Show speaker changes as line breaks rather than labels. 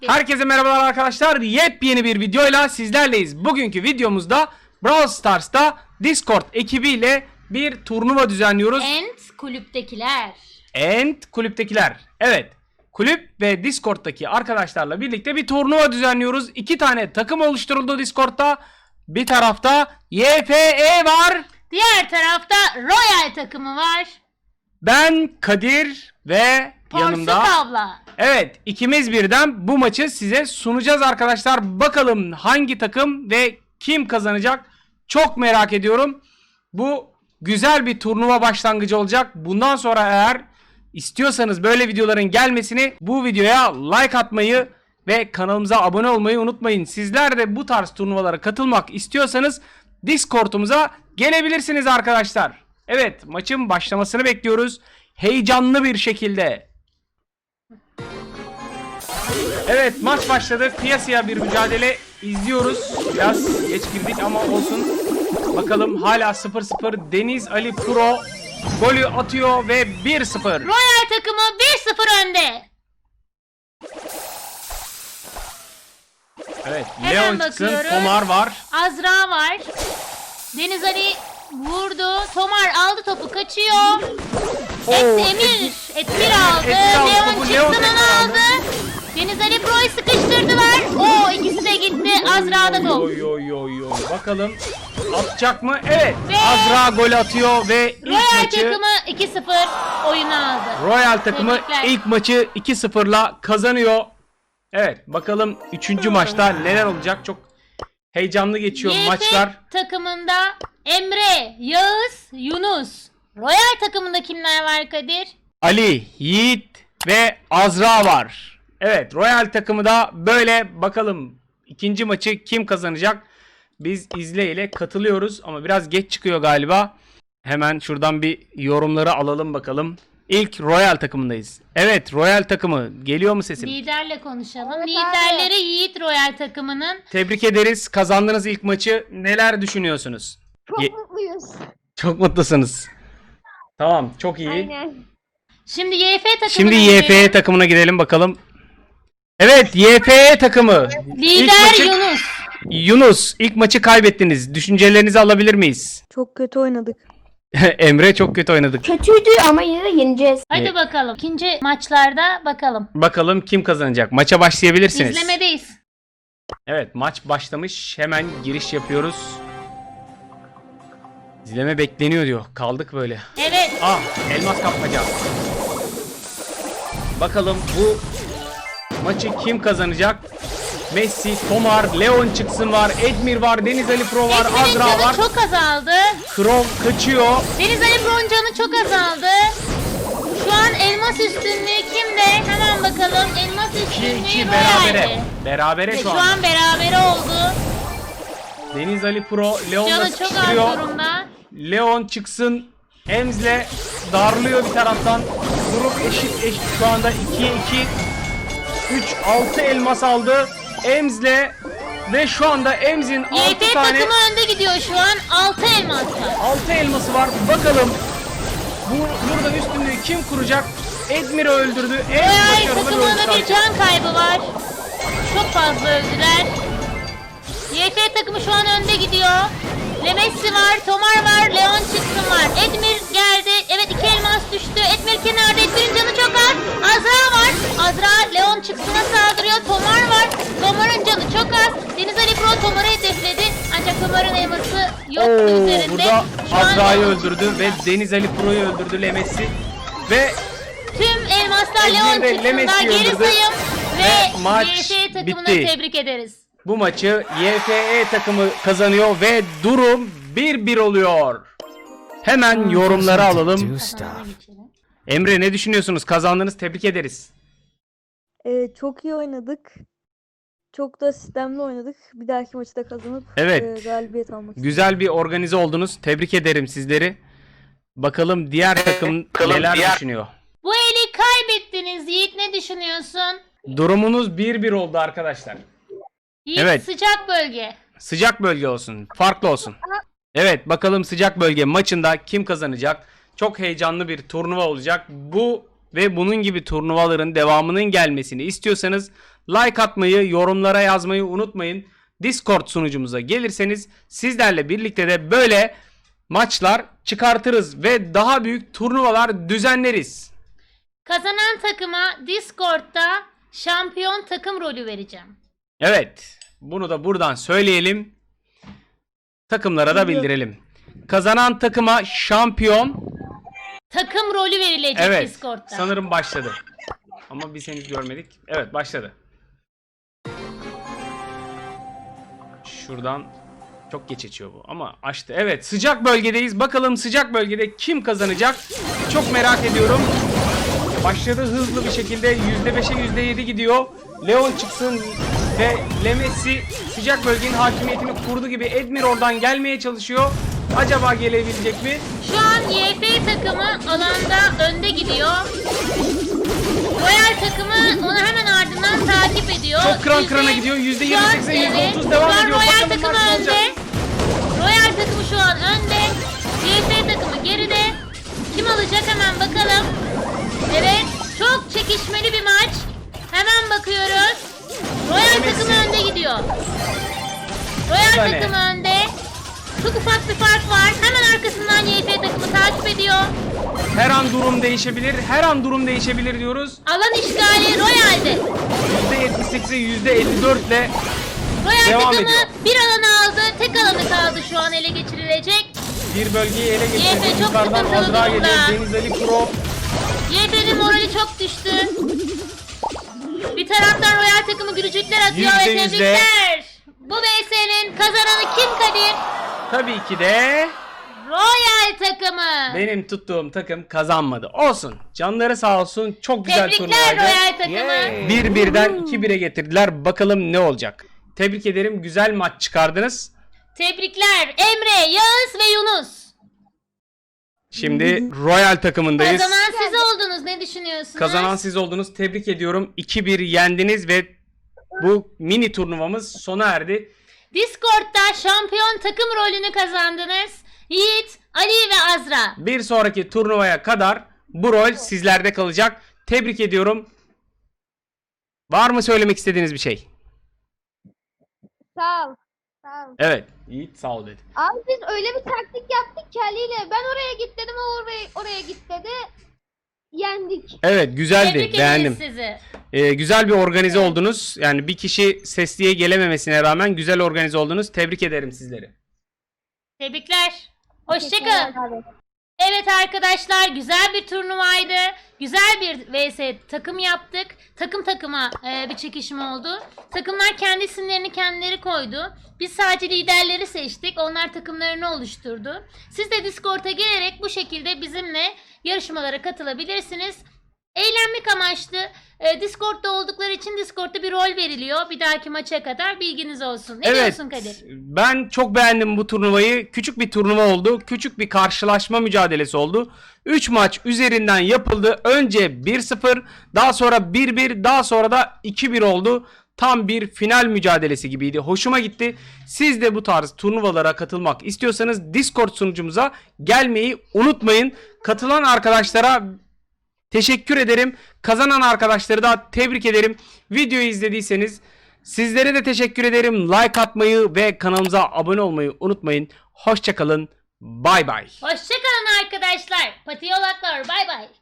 Herkese merhabalar arkadaşlar. Yepyeni bir videoyla sizlerleyiz. Bugünkü videomuzda Brawl Stars'ta Discord ekibiyle bir turnuva düzenliyoruz. Kulüptekiler. Evet. Kulüp ve Discord'daki arkadaşlarla birlikte bir turnuva düzenliyoruz. 2 tane takım oluşturuldu Discord'ta. Bir tarafta YFE var.
Diğer tarafta Royal takımı var.
Ben Kadir ve
Porsuk
yanımda...
abla.
Evet, ikimiz birden bu maçı size sunacağız arkadaşlar. Bakalım hangi takım ve kim kazanacak? Çok merak ediyorum. Bu güzel bir turnuva başlangıcı olacak. Bundan sonra eğer istiyorsanız böyle videoların gelmesini, bu videoya like atmayı ve kanalımıza abone olmayı unutmayın. Sizler de bu tarz turnuvalara katılmak istiyorsanız Discord'umuza gelebilirsiniz arkadaşlar. Evet, maçın başlamasını bekliyoruz. Heyecanlı bir şekilde. Evet, maç başladı. Kıyasıya bir mücadele izliyoruz. Biraz geç girdik ama olsun. Bakalım hala 0-0. Deniz Ali Pro golü atıyor ve 1-0.
Royal takımı 1-0 önde.
Evet,
Hemen
Leon çıksın.
bakıyoruz.
Tomar var.
Azra var. Deniz Ali vurdu. Tomar aldı topu, kaçıyor. Etmir aldı. Leon çıksın, onu aldı. Deniz Ali Pro'yu sıkıştırdılar. İkisi de gitti. Azra'da top.
Oy. Bakalım atacak mı? Evet.
Ve
Azra gol atıyor ve ilk
Royal
maçı
takımı 2-0 oyunu aldı.
Royal takımı
Tebrikler.
ilk maçı 2-0'la kazanıyor. Evet, bakalım 3. maçta neler olacak? Çok heyecanlı geçiyor
YF
maçlar.
takımında Emre, Yağız, Yunus. Royal takımında kimler var Kadir?
Ali, Yiğit ve Azra var. Evet, Royal takımı da böyle. Bakalım ikinci maçı kim kazanacak? Biz izle ile katılıyoruz ama biraz geç çıkıyor galiba. Hemen şuradan bir yorumları alalım bakalım. İlk Royal takımındayız. Evet, Royal takımı. Geliyor mu sesim?
Liderle konuşalım. Liderleri Yiğit Royal takımının.
Tebrik ederiz. Kazandınız ilk maçı. Neler düşünüyorsunuz?
Çok mutluyuz.
Çok mutlusunuz. Tamam, çok iyi.
Aynen.
Şimdi YF takımına
Şimdi
gidelim.
YFE takımına gidelim bakalım. Evet, YFE takımı. İlk
Lider
maçı-
Yunus.
Yunus, ilk maçı kaybettiniz. Düşüncelerinizi alabilir miyiz?
Çok kötü oynadık.
Emre, çok kötü oynadık.
Kötüydü ama yine de yeneceğiz.
Hadi bakalım. İkinci maçlarda bakalım.
Bakalım kim kazanacak? Maça başlayabilirsiniz.
İzlemedeyiz.
Evet, maç başlamış. Hemen giriş yapıyoruz. İzleme bekleniyor diyor. Kaldık böyle.
Evet.
Elmas kapmaca. Bakalım bu maçı kim kazanacak? Messi, Tomar, Leon çıksın var, Edmir var, Deniz Ali Pro var,
Edmir'in
Azra
canı
var.
çok azaldı.
Crow kaçıyor.
Deniz Ali Pro'nun canı çok azaldı. Şu an elmas üstünlüğü kimde? Hemen bakalım. Elmas üstünlüğü
2-2
Royal'de.
berabere. Berabere şu
Şu
an.
an berabere oldu.
Deniz Ali Pro Leon'la
Canı çok az
sıkıştırıyor.
durumda.
Leon çıksın. Emz'le darlıyor bir taraftan. Grup eşit şu anda 2'ye 2. 6 elmas aldı. Emz'le ve şu anda Emz'in 6
YF
tane
takımı önde gidiyor şu an. 6 elmas var.
6 elması var. Bakalım burada üstünlüğü kim kuracak? Edmir'i öldürdü.
Royal
başarılı
takımında
oyun
bir can kaybı var. Çok fazla öldüler. YF takımı şu an önde gidiyor. Lemessi var, Tomar var, Leon çıksın var. Edmir geldi. Evet, 2 elmas düştü. Edmir kenarda. Edmir'in canı çok az. Azra var. Azra Leon çıksına saldırıyor. Tomar var. Tomar'ın canı çok az. Deniz Ali Pro Tomar'ı hedefledi. Ancak Tomar'ın elması yoktu üzerinde.
Burada
Şu an
Azra'yı öldürdü ve Deniz Ali Pro'yu öldürdü Lemessi. Ve
tüm elmaslar
Edmir
Leon
de
çıksında.
Lemessi'yi
Geri
öldürdü.
sayım.
Ve
Ve
maç
YF takımını
bitti.
tebrik ederiz.
bu maçı YFE takımı kazanıyor ve durum 1-1 oluyor. Hemen yorumları alalım. Emre, ne düşünüyorsunuz? Kazandınız, tebrik ederiz.
Çok iyi oynadık. Çok da sistemli oynadık. Bir dahaki maçta kazanıp
Evet.
galibiyet almak istiyorum.
Güzel bir organize oldunuz. Tebrik ederim sizleri. Bakalım diğer takım neler düşünüyor.
Bu eli kaybettiniz Yiğit, ne düşünüyorsun?
Durumunuz 1-1 oldu arkadaşlar.
Yiğit,
Evet.
sıcak bölge.
Sıcak bölge olsun. Farklı olsun. Evet, bakalım sıcak bölge maçında kim kazanacak? Çok heyecanlı bir turnuva olacak. Bu ve bunun gibi turnuvaların devamının gelmesini istiyorsanız Like atmayı, yorumlara yazmayı unutmayın. Discord sunucumuza gelirseniz sizlerle birlikte de böyle maçlar çıkartırız ve daha büyük turnuvalar düzenleriz.
Kazanan takıma Discord'da şampiyon takım rolü vereceğim.
Evet, bunu da buradan söyleyelim. Takımlara da bildirelim. Kazanan takıma şampiyon.
Takım rolü verilecek
Evet,
Discord'da.
sanırım başladı. Ama biz henüz görmedik. Evet, başladı. Şuradan çok geç açıyor bu ama açtı. Evet, sıcak bölgedeyiz. Bakalım sıcak bölgede kim kazanacak? Çok merak ediyorum. Başladı hızlı bir şekilde. %5'e %7 gidiyor. Leon çıksın ve Lemesi sıcak bölgenin hakimiyetini kurdu gibi. Edmir oradan gelmeye çalışıyor. Acaba gelebilecek mi?
Şu an YF takımı alanda önde gidiyor. Royal takımı onu hemen ardından takip ediyor.
Çok kıran kırana gidiyor. %28'e %30 devam ediyor.
Royal
Bakalım
takımı
maç ne
önde.
olacak?
Royal takımı şu an önde. YF takımı geride. Kim alacak hemen bakalım. Evet, çok çekişmeli bir maç. Hemen bakıyoruz. Royal takımı önde gidiyor. Royal
tane.
takımı önde. Çok ufak bir fark var. Hemen arkasından YF takımı takip ediyor.
Her an durum değişebilir. Her an durum değişebilir diyoruz.
Alan işgali Royal'de.
%78'e %54 ile
Royal
devam
takımı
ediyor.
bir alanı aldı. Tek alanı kaldı şu an ele geçirilecek.
Bir bölgeyi ele
YF
geçirdi.
çok
Yukarıdan
sıkıntılı
Azra geliyor.
durumda.
Deniz Ali Pro.
YF'nin morali çok düştü. Bir taraftan Royal takımı gülücükler atıyor ve
%100 de.
tebrikler. Bu VS'nin kazananı kim Kadir?
Tabii ki de
Royal takımı.
benim tuttuğum takım kazanmadı. Olsun. Canları sağ olsun. Çok güzel
Tebrikler
turnuvaydı.
Royal takımı.
1-1'den 2-1'e getirdiler. Bakalım ne olacak. Tebrik ederim. Güzel maç çıkardınız.
Tebrikler Emre, Yağız ve Yunus.
Şimdi Royal takımındayız.
Kazanan siz oldunuz. Ne düşünüyorsunuz?
Kazanan siz oldunuz. Tebrik ediyorum. 2-1 yendiniz ve bu mini turnuvamız sona erdi.
Discord'da şampiyon takım rolünü kazandınız. Yiğit, Ali ve Azra.
Bir sonraki turnuvaya kadar bu rol sizlerde kalacak. Tebrik ediyorum. Var mı söylemek istediğiniz bir şey?
Sağ ol. Sağ ol.
Evet. Yiğit sağ ol dedi.
Abi biz öyle bir taktik yaptık ki Ali'yle. Ben oraya git dedim, o oraya git dedi. Yendik.
Evet, güzeldi.
Tebrik
Beğendim.
ederiz sizi.
Güzel bir organize oldunuz. Yani bir kişi sesliye gelememesine rağmen güzel organize oldunuz. Tebrik ederim sizleri.
Tebrikler. Hoşçakalın.
Teşekkürler abi.
Evet arkadaşlar, güzel bir turnuvaydı. Güzel bir vs takım yaptık. Takım takıma bir çekişme oldu. Takımlar kendi isimlerini kendileri koydu. Biz sadece liderleri seçtik. Onlar takımlarını oluşturdu. Siz de Discord'a gelerek bu şekilde bizimle yarışmalara katılabilirsiniz. Eğlenmek amaçlı. Discord'da oldukları için Discord'da bir rol veriliyor. Bir dahaki maça kadar bilginiz olsun. Ne diyorsun Kadir?
Ben çok beğendim bu turnuvayı. Küçük bir turnuva oldu. Küçük bir karşılaşma mücadelesi oldu. 3 maç üzerinden yapıldı. Önce 1-0, daha sonra 1-1, daha sonra da 2-1 oldu. Tam bir final mücadelesi gibiydi. Hoşuma gitti. Siz de bu tarz turnuvalara katılmak istiyorsanız Discord sunucumuza gelmeyi unutmayın. Katılan arkadaşlara teşekkür ederim. Kazanan arkadaşları da tebrik ederim. Videoyu izlediyseniz sizlere de teşekkür ederim. Like atmayı ve kanalımıza abone olmayı unutmayın. Hoşça kalın. Bay bay.
Hoşçakalın arkadaşlar. Patiyolaklar. Bay bay.